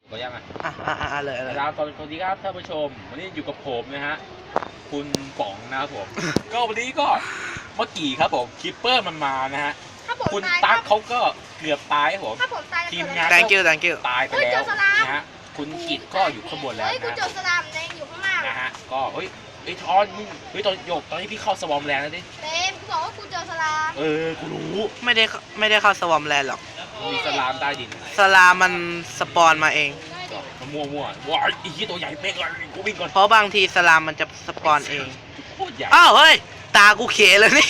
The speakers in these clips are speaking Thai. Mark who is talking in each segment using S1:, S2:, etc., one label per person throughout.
S1: ก็ยังอ่ะ
S2: เลย
S1: ครับสวัสดีครับท่านผู้ชมวันนี้อยู่กับผมนะฮะคุณป๋องนะครับผม ก็วันนี้ก็เมื่อกี้ครับผมคิปเปอร์มันมานะฮะคุณตั๊กเขาก็เกือบตายครับผมทีมงาน
S2: thank you
S1: ตายไปแล้วนะฮะคุณกิตก็อยู่ข้างบนแล้วนะ
S3: กูเจอสลามในอยู่ข้างล่าง
S1: นะฮะก็ไอ้ทอนมึงตอนโยกตอนนี้พี่เข้าสวอมแลนด์แล้วดิ
S3: เต็มกูบอกว่ากูเจอสลาม
S1: กูรู้
S2: ไม่ได้เข้าสวอมแลนด์หรอก
S1: มีสลามใต้ดิน
S2: สลามมันสปอนมาเอง
S1: มันมั่วว้ายไอ้ที่ตัวใหญ่เป๊กเลยกูวิ่งก่อน
S2: เพราะบางทีสลามมันจะสปอนเอง
S1: โคตรใหญ่
S2: อ้าวเฮ้ยตากูเขเลยนี่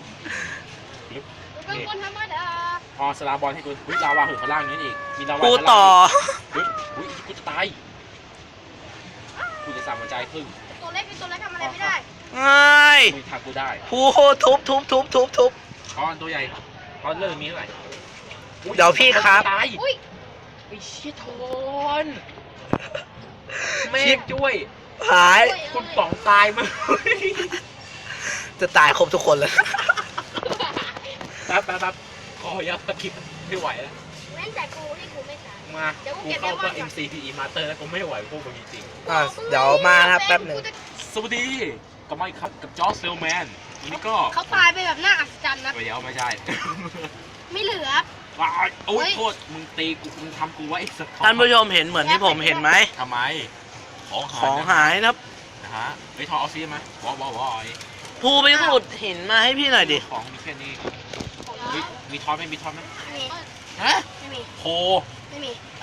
S3: เป็นคนธรรมดา
S1: พอสลาบอลให้กูลาวาถึงข้างล่างนี้อีกมีลาวา
S2: กูต่อ
S1: กูจะตายกูจะสั่งหัวใจครึ่ง
S3: ตัวเล็กทำอะไรไม่ได้
S2: เฮ้ย
S1: มึงทำกูได้
S2: ผู้ทุบ
S1: ทอนตัวใหญ่ทอนเริ่มมีเท่าไหร่
S2: เดี๋ยวพี่ครับ
S1: ตาย
S3: อุ้ย
S1: ไอ้เชี่ยทอนแม่ช่วย
S2: หาย
S1: คุณป๋องตายมั้ย
S2: จะตายครบทุกคนเลย
S1: แป๊บขอยับตะคิดไม่ไหวแล้ว
S3: แม่นแต่กูที่กูไม่ตาย
S1: มากูเข้าก็ MCPE Master แล้วกูไม่ไหวพวกมึงจริง
S2: เดี๋ยวมาครับแป๊บหนึ่ง
S1: สวัสดีก็ไม่ครับกับจอร์จเซลแมนวันนี้ก็
S3: เขาตายไปแบบน่าอัศจรรย์นะ
S1: เดี๋ยวไม่ใช่
S3: ไม่เหลือ
S1: ว้ายโอ้ยโทษมึงตีกูมึงทำกูไว้ไอ้สัตว์
S2: ท่านผู้ชมเห็นเหมือนที่ผมเห็นไหม
S1: ทำไมของ
S2: ของหายนะครับ
S1: นะฮะไปทอเอาซีไหมวอ
S2: ภูไปขุดหินมาให้พี่หน่อยดิ
S1: ของมีแค่นี้มีทอนไหมมีทอนไหม
S3: ไม่มี
S1: ฮะ
S3: ไม่มี
S1: โค
S3: ไม่มี
S1: ไอ้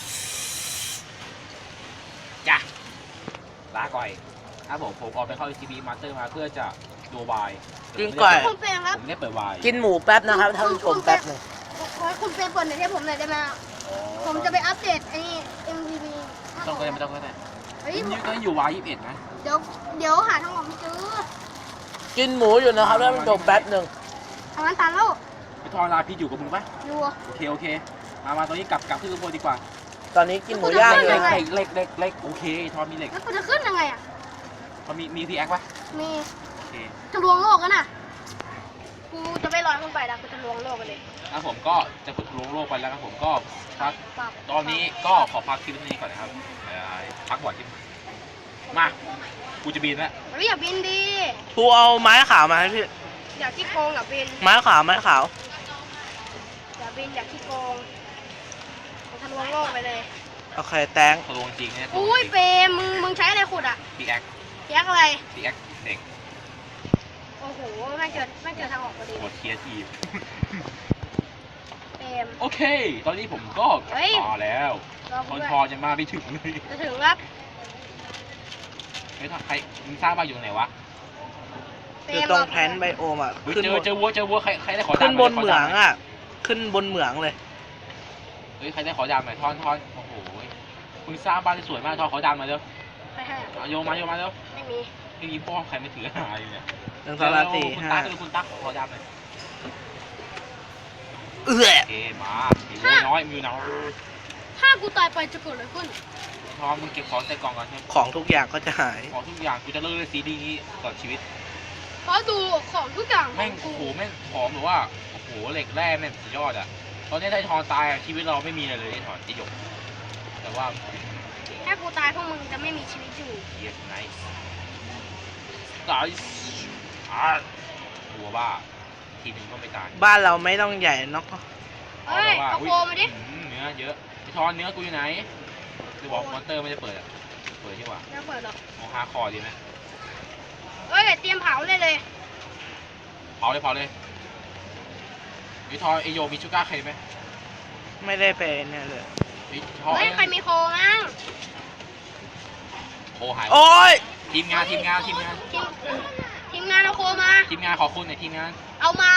S1: จ้ะลาก่อยครับผมออกไปเข้า CB Master มาเพื่อจะดูวาย
S2: กินก่อย
S3: คุณเฟรมครับ
S1: ผมได้เปิดวาย
S2: กินหมูแป๊บนะครับท่านผู้ชมแป๊บหนึ่ง
S3: ขอให้คุณเฟรมเปิดหน่อยให้ผมหน่อยได้ไหมผมจะไปอัปเดตไอ้ MVP
S1: ไม่ต้องก็ได้
S3: เฮ้ย
S1: นี่ก็อยู่วาย21นะ
S3: เดี๋ยวหาทางออกไม่เจอ
S2: กินหมูอยู่นะครับท่านผู้ชมแป๊บหนึ่ง
S3: ทางนั้นตันแล้ว
S1: พี่ทอนลาพี่อยู่กับมึงปะ
S3: อยู่
S1: โอเคมาตอนนี้กลับขึ้นข้างบนดีกว่า
S2: ตอนนี้กินหมูย่างอยู่
S3: ยังไง
S1: เล็กโอเคทอนมีเหล็ก
S3: แล้วกูจะขึ้นยังไงอ่ะ
S1: มันมีพีแอคปะ
S3: มี
S1: โอเค
S3: จะลวงโลกกันน่ะกูจะไม่ลอยขึ้นไปนะกูจะลวงโลกกันเลย
S1: ครับผมก็จะขุดลงโลกไปแล้วครับผมก็พัก
S3: ปับ
S1: ตอนนี้ก็ขอพักคลิปนี้ก่อนนะครับพักบ่อยที่มากูจะบินแล้ว
S3: เฮ้ยอย่าบินดี
S2: ภูเอาไม้ขาวมาให้พี่
S3: อย่าขี้โกงอย่าบิน
S2: ไม้ขาว
S3: อย่าบินอย่าขี้โกงกูทะลวงโลกไปเลย
S2: โอเคแตง
S1: ทะลวงจริงนะ
S3: อุ้ยเปรมมึงใช้อะไรขุดอ่ะ
S1: พีแอค
S3: แยกอะไร
S1: เด็ก
S3: โอ้โหไม่เจอทางออกพอดี
S1: หมดเคียร์ทีม
S3: เปรม
S1: โอเค ตอนนี้ผมก็กลับมาแล้ว
S3: รอ
S1: ท
S3: กู
S1: อน
S3: ด้วย
S1: ทอจะมาไม่ถึงเลย
S3: จะถึงครับ
S1: ไม่ทำใครมึงสร้างบ้านอยู่ไหนวะ
S3: เปร
S2: คือ
S3: ม
S2: ตรงแพลนไบโอมอ่ะ ขึ้น
S1: เจอวัวใครได้ขอดำ
S2: ขึ้นบนเหมืองอ่ะ ขึ้นบนเหมืองเลย
S1: เฮ้ยใครได้ขอดำหน่อยทอนโอ้โหมึงสร้างบ้านที่สวยมากทอนขอดำมาเร็ว
S3: ไปให้
S1: โยมาเร็ว
S3: ไม่มี
S1: พี่พ่อใครไม่ถือหาอยู่เนี่ย
S2: 1 2 3 4
S1: คุณตั๊กขอดำหน่อย
S2: 5
S1: โอเคมามีน้อยมีน้อย
S3: ถ้ากูตายไปจะเกิดอะไรขึ้น
S1: ทอนมึงเก็บของใส่กล่องก่อนใช่ไหม
S2: ของทุกอย่างก็จะหาย
S1: ของทุกอย่างกูจะเลิกเล่นซีดีนี้ก่อนชีวิต
S3: เพราะดูของทุกอย่าง
S1: แม่งโอ้โหแม่งหอมหรือว่าโอ้โหเหล็กแร่แม่งสุดยอดอ่ะตอนนี้ถ้าทอนตายชีวิตเราไม่มีอะไรเลยทอนจะหยกแต่ว่า
S3: ถ้ากูตายพวกมึงจะไม่มีชีวิตอยู่
S1: yes nice nice หัวบ้าทีนึงก็ไม่ตาย
S2: บ้านเราไม่ต้องใหญ่เนาะ
S3: เฮ้ยเอาโคมาดิ
S1: เนื้อเยอะไอทอนเนื้อกูอยู่ไหนคือบอกมอนเตอร์ไม่ได้เปิดอ่ะเปิดใช่ป่ะ
S3: ไม่เปิดหรอก
S1: มองฮาคอดีไหม
S3: เฮ้ยเตรียมเผาเลย
S1: เผาเลยไอทอนไอโยมีชูการ์เคไหม
S2: ไม่ได้ไปเนี่ยเลย
S1: ไอทอน
S3: เฮ้ยใครมีโคมั้ง
S1: โอ้หาย
S2: โอ้ย
S1: ทีมงาน
S3: ทีมงานเอาโคมา
S1: ทีมงานขอคุณหน่อยทีมงาน
S3: เอามา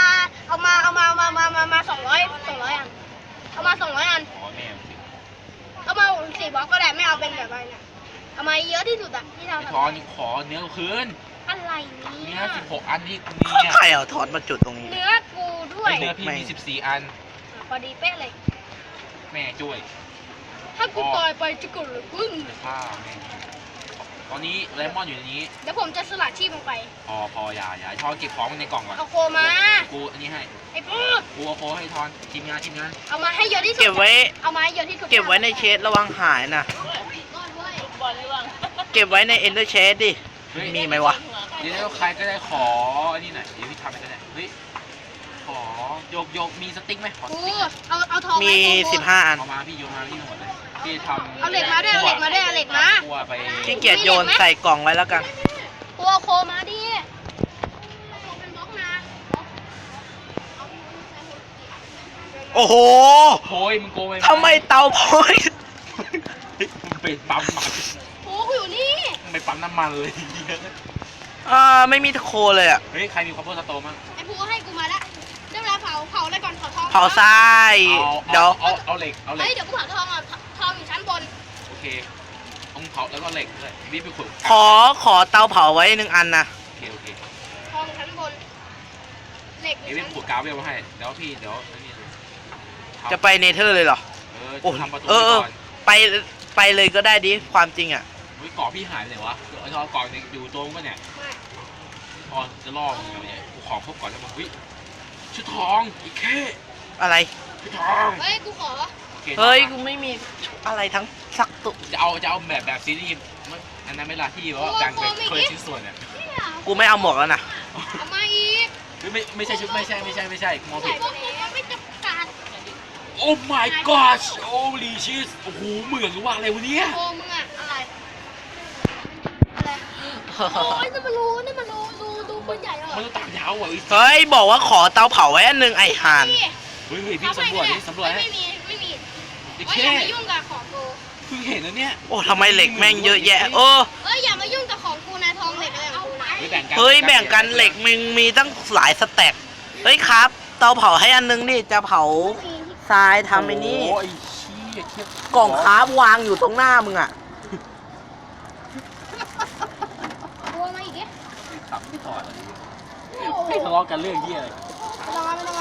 S3: 200 อัน เอามา200 อัน
S1: อ๋อแม่สิ
S3: เอามา4 บล็อกก็ได้ไม่เอาเป็นแบบอะไรเนี่ยเอามาเยอะที่สุดอะที่เรา
S1: ไอ
S3: ทำ
S1: ทอนขอเนื้อคืน
S3: อะไร
S1: เนื้
S3: เนี่
S1: อย 16 อันที่กูมีเนี่ย
S2: ใครเอาทอดมาจุดตรงนี้
S3: เนื้อกูด้วย
S1: เนื้อพี่มี14 อัน
S3: พอดีเป๊ะเลย
S1: แม่ช่วย
S3: ถ้ากูตายไปจะเกิดอะไรขึ้น
S1: จะฆ่าแม่ตอนนี้เลมอนอยู่ในนี้
S3: เดี๋ยวผมจะสลัดชีพลงไป
S1: พออย่าทอนเก็บของในกล่องก่อน
S3: เอาโคมา
S1: กูอันนี้ให้
S3: ไอ้พูด
S1: กูเอาโคให้ทอนทีมงาน
S3: เอามาให้เยอะที่สุด
S2: เก็บไว้
S3: เอามาให้เยอะที่สุด
S2: เก็บไว้ในเชสระวังหายนะ
S3: ก้อนเว้ย
S2: เก็บไว้ในเอนเดอร์เชสดิ
S1: เฮ้ย
S2: มีไหมวะ
S1: เดี๋ยวใครก็ได้ขออันนี้หน่อยเดี๋ยวพี่ทำไปก็ได้เฮ้ยขอโยกมีสติ๊กไหมขอส
S3: กู
S1: ติ๊กหน่อย
S3: เอาทอง
S2: มี
S3: ให้กู
S2: 15 อัน
S1: เอามาพี่โยนมาพี่หมดเลยพี่ทำ
S3: เอาเหล็กมาด้วยเอาเหล็กมาด้วยเอาเหล็กมา
S1: คั่วไป
S2: ขี้เกียจโยนใส่กล่องไว้แล้วกัน
S3: กูเอาโคมาดิโคเป็นบล็อกนะ
S2: โอ้โห
S1: โอ้ยมึงโกงไป
S2: ทำไมเตาพอย
S1: มึงไปปั๊มมัน
S3: โอ้กูอยู่นี่
S1: มึงไปปั๊มน้ำมันเลย
S2: ไม่มีโคเลยอ่ะ
S1: เฮ้ยใครมีคอมโพสโตมั้ง
S3: ไอ้พูให้กูมาละได้เวลาเผาอะไรก่อนเผาทอง
S2: เผาทรายเดี๋ยว
S1: เอาเหล็กเอาเหล็
S3: เฮ้
S1: ก
S3: ยเดี๋ยวกูเผาทองอ่ะทองอยู่ชั้นบน
S1: โอเคต้องเผาแล้วก็เหล็กด้วยพี่ไปขุด
S2: ขอเตาเผาไว้1 อันนะ
S1: โอเค
S3: ทองชั้นบนเหล็กอ
S1: เดี๋ย
S3: ยู่
S1: วพี่
S3: ชั้น
S1: ขุดกาวเวลมาให้เดี๋ยวพี่เดี๋ยวนี่
S2: จะไปเนเธอร์เลยเหรอ โอ้
S1: ทำประตู
S2: เออ
S1: ก่อน
S2: ไปเลยก็ได้ดิ ความจริงอ่ะ
S1: เฮ้ยเกาะพี่หายไปไหนวะไอ้ทอเกาะอยู่ตรงปะเนี่ย
S3: ไม่
S1: ทอนจะล่อมึงไงเนี่ยกูของครบก่อนแล้วมึงเฮ้ยชุดทองอีกแค่
S2: อะไร
S1: ชุดทอง
S3: เฮ้ยกูขอ
S1: โอค
S2: เฮ้ย กูไม่มีอะไรทั้งสักตุก
S1: จะเอาแบบซีรีส์อันนั้นเวลาที่แบบว่าแบ่งเป็นคนละชิ้นส่วนเนี่ย
S3: เนี่ย
S2: กูไม่เอาหมวกแล้วนะ
S3: เอามาอีก
S1: ไม่ใช่ชุดไม่ใช่มอง
S3: ใส่
S1: ผิด
S3: พวกนี้ไม่จำกัด
S1: โอ้ my gosh holy shit โอ้โหเหมือนกับว่าอะไรวะเนี่ย
S3: โกมึงอะอะไรโอ้ยนี่มันรู้ดูคนใหญ่เหรอ
S1: มันต้องตามยาวอ่ะ
S2: เฮ้ย บอกว่าขอเตาเผาไว้อันหนึ่งไอห่าน
S1: เฮ้ยพี่สำรวจให้
S3: ไม่มี
S1: ไอ้
S3: เฮ้ย
S1: แค่
S3: อย่ามายุ่งกับของกู
S1: เพิ่งเห็นนะเนี่ย
S2: โอ้ทำไมเหล็กแม่งเยอะแยะ เออ
S3: เฮ้ยอย่ามายุ่งกับของกูนะทองเหล็กอะไรของกูนะ
S2: เฮ้ย แบ่งกันเหล็กมึงมีตั้งหลายสแต็กเฮ้ยครับ เตาเผาให้อันนึงดิ จะเผาทรายทำไอ้นี่
S1: โอ้ยเชี่ยเทียบ
S2: กล่องคราฟวางอยู่ตรงหน้ามึงอ่ะ
S3: ตัวมาอีกดิ
S1: ขับไม่ต่อเลยไม่ทะเลาะกันเรื่องเหี้ยอะไร
S3: ไม่ต้อง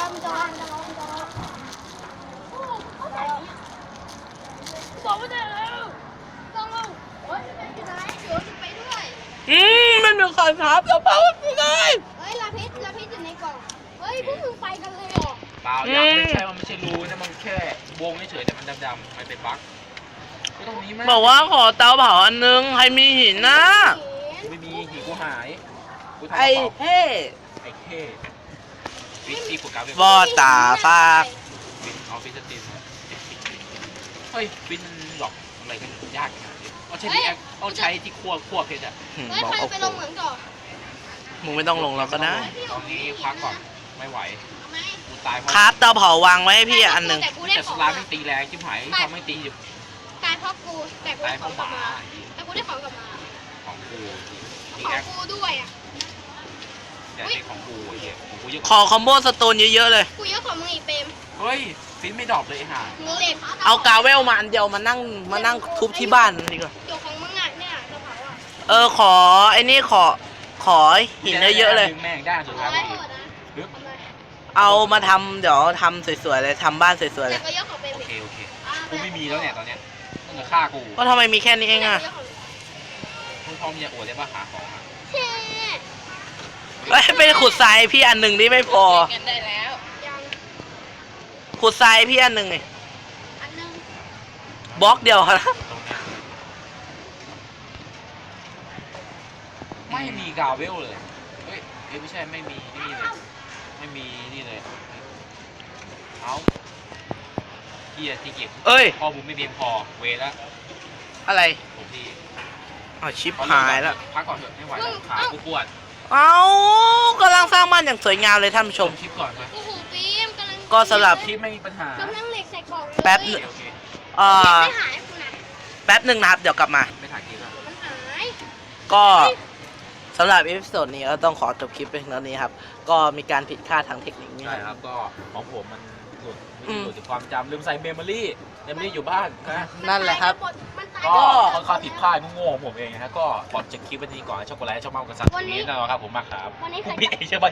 S3: บอกว่าได้แล้วต้องเอาเฮ้ยเป็นยังไงเดี๋ยวจะไปด้วย
S2: มันเป็นการครับเตาเผาไม่ได้
S3: เฮ้ยลาพิษอยู่ในกล่องเฮ้ยพวกมึงไปกันเลยเหรอ
S1: เปล่ายังไม่ใช่มันไม่ใช่รูนะมันแค่วงเฉยแต่มันดำๆมันเป็นบั๊กไม่ตรงนี้มั้ย
S2: บอกว่าขอเตาเผาอันนึง ใครมีหินนะ
S1: ไม่มีหินกูหายกูทำ
S2: ไอ้
S1: กระเป๋า
S2: เฮ้
S1: ไอ้เข้วิปโปรแกรม
S2: บอตาฟาก
S1: ฟินเอาฟินสตินเฮ้ยฟินหลอกอะไรกันยากขนาดนี้เอาใช้ที่แอคเอาใช้ที่คั่วเพชรอะ
S3: เฮ้ย
S2: บอก
S3: ใคร
S2: เอา
S3: ไป
S2: โค
S3: ลงเหมืองก่อน
S2: มึงไม่ต้องลงแล้วก็ได้
S1: ตอนนี้พักก่อนไม่ไหว
S3: เอาไหม
S1: กูตายเพราะ
S2: ครับเตาเผาวางไว้ให้พี่อันหนึ่ง
S3: แต่กูได้
S1: แต่
S3: ข
S1: ส
S3: อง
S1: ลา
S3: มา
S1: ไม่ตีแรงชิบหายเขาไม่ตีอยู่
S3: ตายเพราะกูแต่กู
S1: ตา
S3: ได้
S1: ยเพ
S3: ของ
S1: ราะห
S3: กลับ
S1: มา
S3: มาแต่กูได้ของกลับมา
S1: ของกูอี
S3: ข
S1: แอ
S3: อง
S1: ค
S3: กูด้วยอ่ะ
S1: แต่เป็นของกูไอ้เหี้ยของกูเยอะ
S2: ขอคอมโบสโตนเยอะๆเลย
S3: กูเยอะกว่ามึงอีกเปรม
S1: เฮ้ยฟินไม่ดรอปเลยห่า
S3: มึงเหล็ก
S2: เอากาเวลมาอันเดียวมานั่งทุบที่บ้านดีกว่า
S3: เกี่ยวของมึงอ่ะเนี่ยกระเป๋าอ่ะ
S2: ขอไอ้นี่ขอหินเยอะๆเลย
S1: แม่งได้สุดท้าย
S3: ร้อย
S1: พอ
S3: หม
S1: ดี
S3: ดนะ
S1: ปึ๊บ
S3: ทำไม
S2: เอามาทำเดี๋ยวทำสวยๆเลยทำบ้านสวยๆ
S3: แต่
S2: เลย
S3: ก็เยอะกว่าเปรม
S1: โอ
S3: อีก
S1: เคกูไม่มีแล้วเนี่ยตอนเนี้ยมึงจะฆ่ากู
S2: ก็ทำไมมีแค่นี้เองอ่ะ
S1: มึงพร้อมจะอวดได้ป่ะหาของอะ
S3: เช่
S2: เอ้ยไปขุดทรายพี่อันหนึ่งนี่ไม่พอ
S3: กันได้แล้วยัง
S2: ขุดทรายพี่อันหนึ่งนี่
S3: อันนึง
S2: บล็อกเดียวนะ
S1: ตรงเนี้ยไม่มีกาเวลเลยเฮ้ยไม่ใช่ไม่มีนี่เลยไม่มีนี่เลยเอาเฮียที่เก็บ
S2: เอ้ย
S1: ข้อมูลไม่เพียงพอเวแล้ว
S2: อะไร
S1: ผมที่
S2: เอาชิปหายแล้ว
S1: พักก่อนเถอะไม่ไหวแล้วขากูปวด
S2: เอากำลังสร้างบ้านอย่างสวยงามเลยท่านผู้ชม
S1: คลิปก่อนไหม
S3: โอ้โหเปรมกำลัง
S2: ก็สำหรับ
S1: คลิปไม่มีปัญหาก
S3: ำลังเหล็กใส่กล่องเลย
S2: แป๊บ
S1: โอเคโอเค
S3: ไม่หายคุณนะ
S2: แป๊บหนึ่งนะครับเดี๋ยวกลับมา
S1: ไม่ถ่ายคลิปแล้ว
S3: มันหาย
S2: ก็สำหรับเอพิโซดนี้ก็ต้องขอจบคลิปไปเพียงเท่านี้ครับ ก็มีการผิดพลาดทางเทคนิคนิดห
S1: ใช่
S2: น่อย
S1: ครับก็ของผมมันหลุด
S2: อืม
S1: หลุดจากความจำลืมใส่เมมโมรี่อยู่บ้านนะ
S2: นั่นแหละครับ
S3: มันตาย
S1: ก็
S3: หมด
S1: ค่อนข้างผิดพลาดโง่ๆของผมเองนะฮะก็ขอจบคลิปวันนี้ก่อนช็อกโกแลตชอบมากกับซัน
S3: วันนี้
S1: นี้นะครับผมมากครับ
S3: วันนี้
S1: ผม
S3: ใคร
S1: พี่เอเชื่อบ้าน